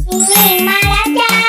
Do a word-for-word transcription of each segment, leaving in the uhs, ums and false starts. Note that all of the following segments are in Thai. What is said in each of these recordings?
หมิงมาแล้วจ้า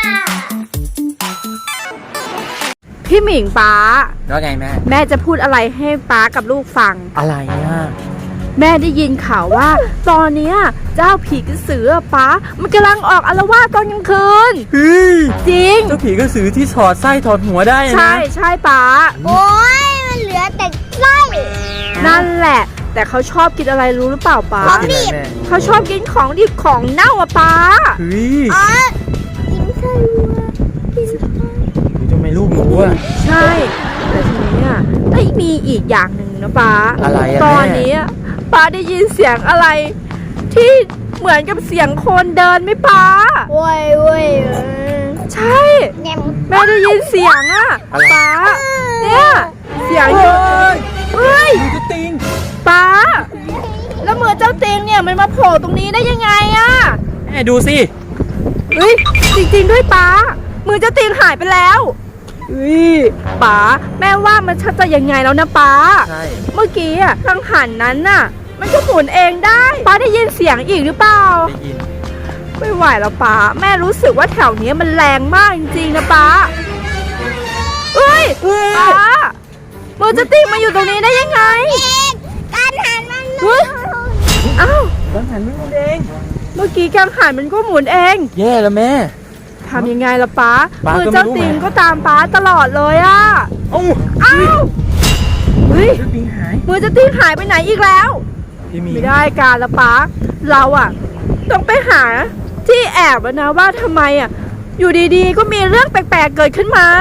พี่หมิงป๊าแล้วไงแม่แม่จะพูดอะไรให้ป๊ากับลูกฟังอะไรอ่ะแม่ได้ยินข่าวว่าตอนนี้เจ้าผีกระสือป๊ามันกำลังออกอาละวาดตอนกลางคืนจริงเจ้าผีกระสือที่ถอดไส้ถอดหัวได้นะใช่ใช่ป๊าโอ้ยมันเหลือแต่ไส้นั่นแหละแต่เขาชอบกินอะไรรู้หรือเปล่าป๊าของดิบเขาชอบกินของดิบของเน่าอะป๊าเฮ้ยอ๋อกินไส้วัวกินไส้ทำไมลูกรู้อะใช่แต่ทีนี้อ่ะได้มีอีกอย่างหนึ่งนะป๊าอะไรอะตอนนี้ป๊าได้ยินเสียงอะไรที่เหมือนกับเสียงคนเดินไหมป๊าโว้ยโว้ยใช่แม่ได้ยินเสียงอ่ะป๊าเนี่ยเสียงอยู่เฮ้ยเจ้าติงป๊าแล้วมือเจ้าติงเนี่ยมันมาโผล่ตรงนี้ได้ยังไงอ่ะแม่ดูสิเฮ้ยจริงๆด้วยป๊ามือเจ้าติงหายไปแล้วเฮ้ยป๊าแม่ว่ามันชัดจะยังไงแล้วนะป๊าใช่เมื่อกี้อ่ะกังหันนั้นน่ะมันก็หมุนเองได้ป๊าได้ยินเสียงอีกหรือเปล่าได้ยินไม่ไหวแล้วป๊าแม่รู้สึกว่าแถวนี้มันแรงมากจริงๆนะป๊าเฮ้ยป๊ามือเจ้าติงมาอยู่ตรงนี้ได้ยังไงการหันมันเฮ้ยอ้าวกังหันมันหมุนเองเมื่อกี้กังหันมันก็หมุนเองแย่แล้วแม่ทำยังไงล่ะป๊ามือเจ้าติงก็ตามป๊าตลอดเลยอ่ะโอ้อ้าวเฮ้ยมือเจ้าติงหายไปไหนอีกแล้วไม่ได้การละป๊าเราอ่ะต้องไปหาที่แอบแล้วนะว่าทำไมอ่ะอยู่ดีๆก็มีเรื่องแปลกๆเกิดขึ้นมา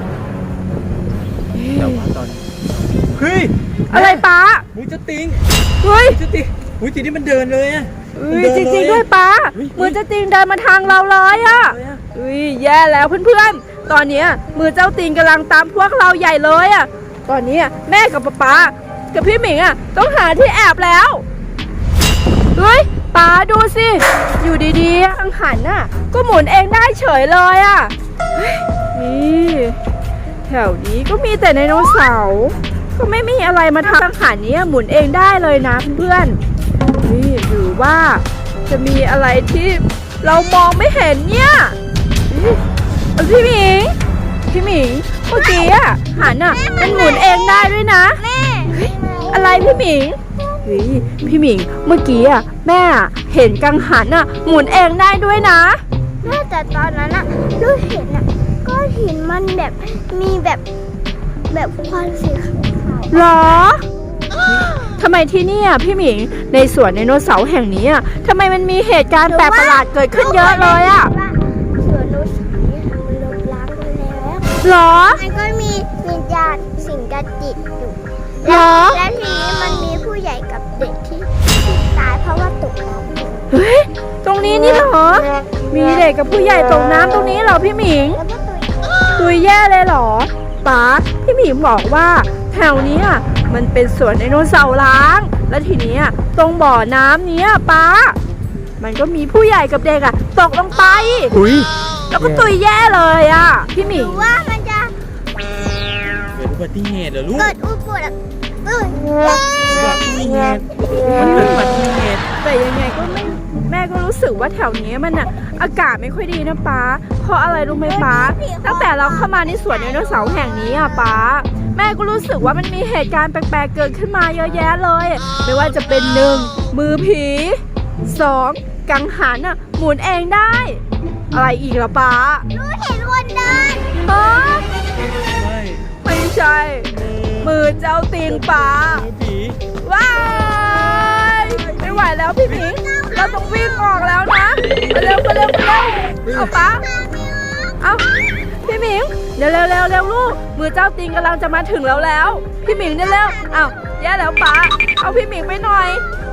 แต่ว่าตอนเฮ้ยอะไรป๊ามือเจ้าติงเฮ้ยเจ้าติงมือเจ้าติงมันเดินเลยอ่ะจริงๆด้วยป๊ามือเจ้าติงเดินมาทางเราเลยอ่ะอุ้ยแย่แล้วเพื่อนๆตอนนี้มือเจ้าติงกำลังตามพวกเราใหญ่เลยอ่ะตอนนี้แม่กับป๊าป๊ากับพี่หมิงอ่ะต้องหาที่แอบแล้วเฮ้ยป๊าดูสิอยู่ดีๆกังหันน่ะก็หมุนเองได้เฉยเลยอ่ะนี่แถวนี้ก็มีแต่ไดโนเสาร์ก็ไม่มีอะไรมาทำกังหันนี้หมุนเองได้เลยนะเพื่อนๆนี่หรือว่าจะมีอะไรที่เรามองไม่เห็นเนี่ยพี่หมิงพี่หมิงเมื่อกี้อ่ะหันอ่ะมันหมุนเองได้ด้วยนะแม่อะไรพี่หมิงพี่หมิงเมื่อกี้อ่ะแม่เห็นกังหันอ่ะหมุนเองได้ด้วยนะแม่แต่ตอนนั้นอ่ะลูกเห็นอ่ะก้อนหินมันแบบมีแบบแบบควันสีขาวๆหรอทำไมที่นี่อ่ะพี่หมิงในสวนไดโนเสาร์แห่งนี้อ่ะทำไมมันมีเหตุการณ์แปลกประหลาดเกิดขึ้นเยอะเลยอ่ะสวนไดโนเสาร์เนี่ยมันลบล้างไปแล้วหรอมันก็มีวิญญาณสิงกจิตอยู่หรอและทีนี้มันมีผู้ใหญ่กับเด็กที่ตายเพราะว่าตกน้ำเฮ้ยตรงนี้นี่เหรอมีเด็กกับผู้ใหญ่ตกน้ำตรงนี้เหรอพี่หมิงตุยแย่เลยเหรอป๊าพี่หมิงบอกว่าแถวนี้มันเป็นสวนไดโนเสาร์ล้างแล้วทีนี้ตรงบ่อน้ำนี้ป๊ามันก็มีผู้ใหญ่กับเด็กอะตกลงไปแล้วก็ตุยแย่เลยอะพี่หมิงว่ามันจะเกิดอุบัติเหตุเหรอลูกเกิดอุบัติเกิดอุบัติเหตุมันเกิดอุบัติเหตุแต่ยังไงก็ไม่แม่ก็รู้สึกว่าแถวนี้มันอะอากาศไม่ค่อยดีนะป๊าเพราะอะไรรู้ไหมป๊าตั้งแต่เราเข้ามาในสวนไดโนเสาร์แห่งนี้อะป๊าแม่ก็รู้สึกว่ามันมีเหตุการณ์แปลกๆเกิดขึ้นมาเยอะแยะเลยไม่ว่าจะเป็นหนึ่งมือผีสองกังหันอะหมุนเองได้อะไรอีกล่ะป๊ารู้เห็นคนเดินฮะไม่ใช่มือเจ้าตีนป๊าว้ายไม่ไหวแล้วพี่หมิงเราต้องวิ่งออกแล้วนะไปเร็วไปเร็วไปเร็วเอาป๊าเอาพี่หมิงเร็วเร็วเร็วเร็วลูกมือเจ้าติงกำลังจะมาถึงแล้วแล้วพี่หมิงเร็วเร็วเอาแย่แล้วป๊าเอาพี่หมิงไปหน่อย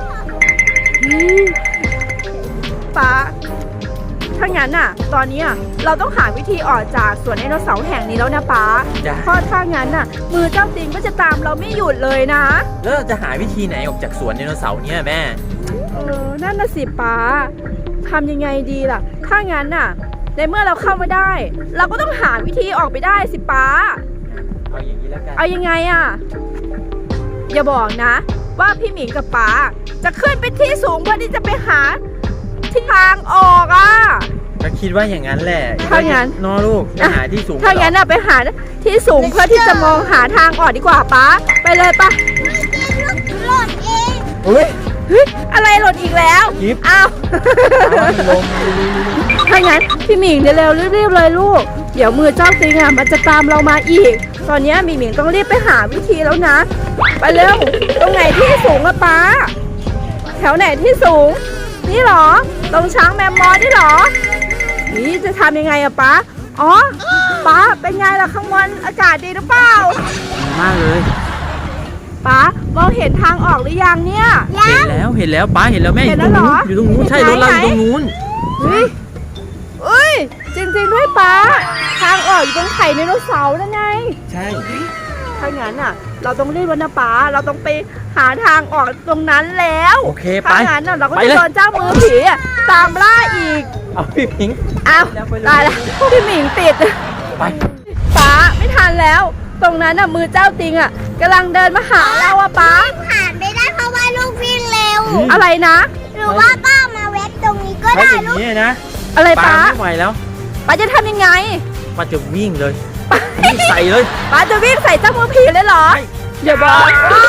ป๊าถ้างั้นน่ะตอนนี้เราต้องหาวิธีออกจากสวนไดโนเสาร์แห่งนี้แล้วนะป๊าเพราะถ้างั้นน่ะมือเจ้าติงก็จะตามเราไม่หยุดเลยนะแล้วเราจะหาวิธีไหนออกจากสวนไดโนเสาร์เนี่ยแม่เออนั่นน่ะสิป๊าทำยังไงดีล่ะถ้างั้นน่ะในเมื่อเราเข้ามาได้เราก็ต้องหาวิธีออกไปได้สิป๊าเอาอย่างนี้แล้วกันเอายังไงอ่ะอย่าบอกนะว่าพี่หมิงกับป๊าจะขึ้นไปที่สูงเพื่อที่จะไปหาที่ทางออกอ่ะคิดว่าอย่างนั้นแหละถ้างั้นนอลูกไปหาที่สูงถ้างั้นเหรอน่ะไปหาที่สูงเพื่อที่จะมองหาทางออกดีกว่าป๊าไปเลยปะหล่นเองเฮ้ยเฮ้ยอะไรหล่นอีกแล้วกิ๊บอ้าวเอาลงถ้างั้นพี่หมิงเร็วๆรีบๆเลยลูก เดี๋ยวมือเจ้าติงอ่ะมันจะตามเรามาอีก ตอนนี้มีหมิงต้องรีบไปหาวิธีแล้วนะ ไปเร็ว ตรงไหนที่สูงอะป๊า แถวไหนที่สูง นี่เหรอ ตรงช้างแมมมอสนี่เหรอ นี่จะทำยังไงอะป๊า อ๋อ ป๊าเป็นไงล่ะข้างบนอากาศดีหรือเปล่ามากเลยป๊ามองเห็นทางออกหรือยังเนี่ยเห็นแล้วเห็นแล้วป้าเห็นแล้วแม่เห็อนแล้ยู่วตรงเหรอนู้นอยู่ตรงนู้นใช่รถเราอยู่ตรงนู้นเฮ้ยเอ้ย จริงๆด้วยป๊า ทางออกอยู่ตรงไข่ไดโนเสาร์นั่นไงใช่ถ้างั้นอ่ะ เราต้องรีบวันนะป๊า เราต้องไปหาทางออกตรงนั้นแล้วโอเคไปถ้างั้นน่ะเราก็ไปจะเลยโดนเจ้ามือผีอะตามล่าอีกเอาพี่พิงค์อ้าวแล้วไปเลยตายแล้วพี่หมิงติดไปป๊าไม่ทันแล้ว ตรงนั้นน่ะมือเจ้าติงอ่ะกำลังเดินมาหาเราอะป๊าผ่านไม่ได้เพราะว่าลูกวิ่งเร็วอะไรนะหรือว่าป้ามาเว็บตรงนี้ก็ถ้าได้อย่างลูกนี้นะอะไรป้าป๊าไม่ไหวแล้วป๊าจะทำยังไงป้าจะวิ่งเลยวิ่งใส่เลยป๊าจะวิ่งใส่เจ้ามือผีเลยเหรอใช่อย่าบอก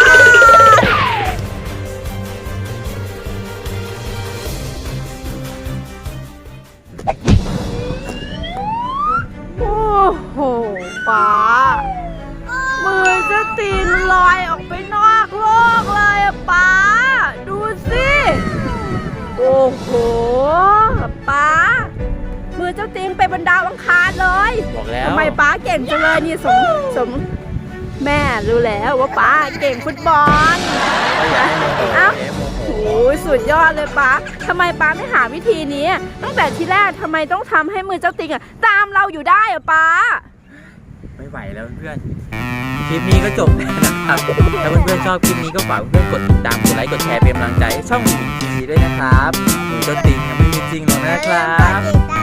โอ้โหป๊ามือจะตีนลอยออกไปนอกโลกเลยอะป๊าดูสิโอ้โหป๊ามือเจ้าตีนไปบนดาวอังคารเลยบอกแล้วทำไมป๊าเก่งจังเลยนี่สมสมแม่รู้แล้วว่าป๊าเก่งฟุตบอลก็อย่าให้โมโหเอ้าอย่าให้โมโหโอ้ยสุดยอดเลยป๊าทำไมป๊าไม่หาวิธีนี้ ตั้งแต่ทีแรกทำไมต้องทำให้มือเจ้าติงอะตามเราอยู่ได้อะป๊าไม่ไหวแล้วเพื่อนคลิปนี้ก็จบแล้วนะครับถ้าเพื่อนๆชอบคลิปนี้ก็ฝากเพื่อนๆกดติดตามกดไลค์กดแชร์เป็นกำลังใจให้ช่องหมีทีวีด้วยนะครับหนูเจ้าติงยังไม่มีจริงหรอกนะครับติดตาม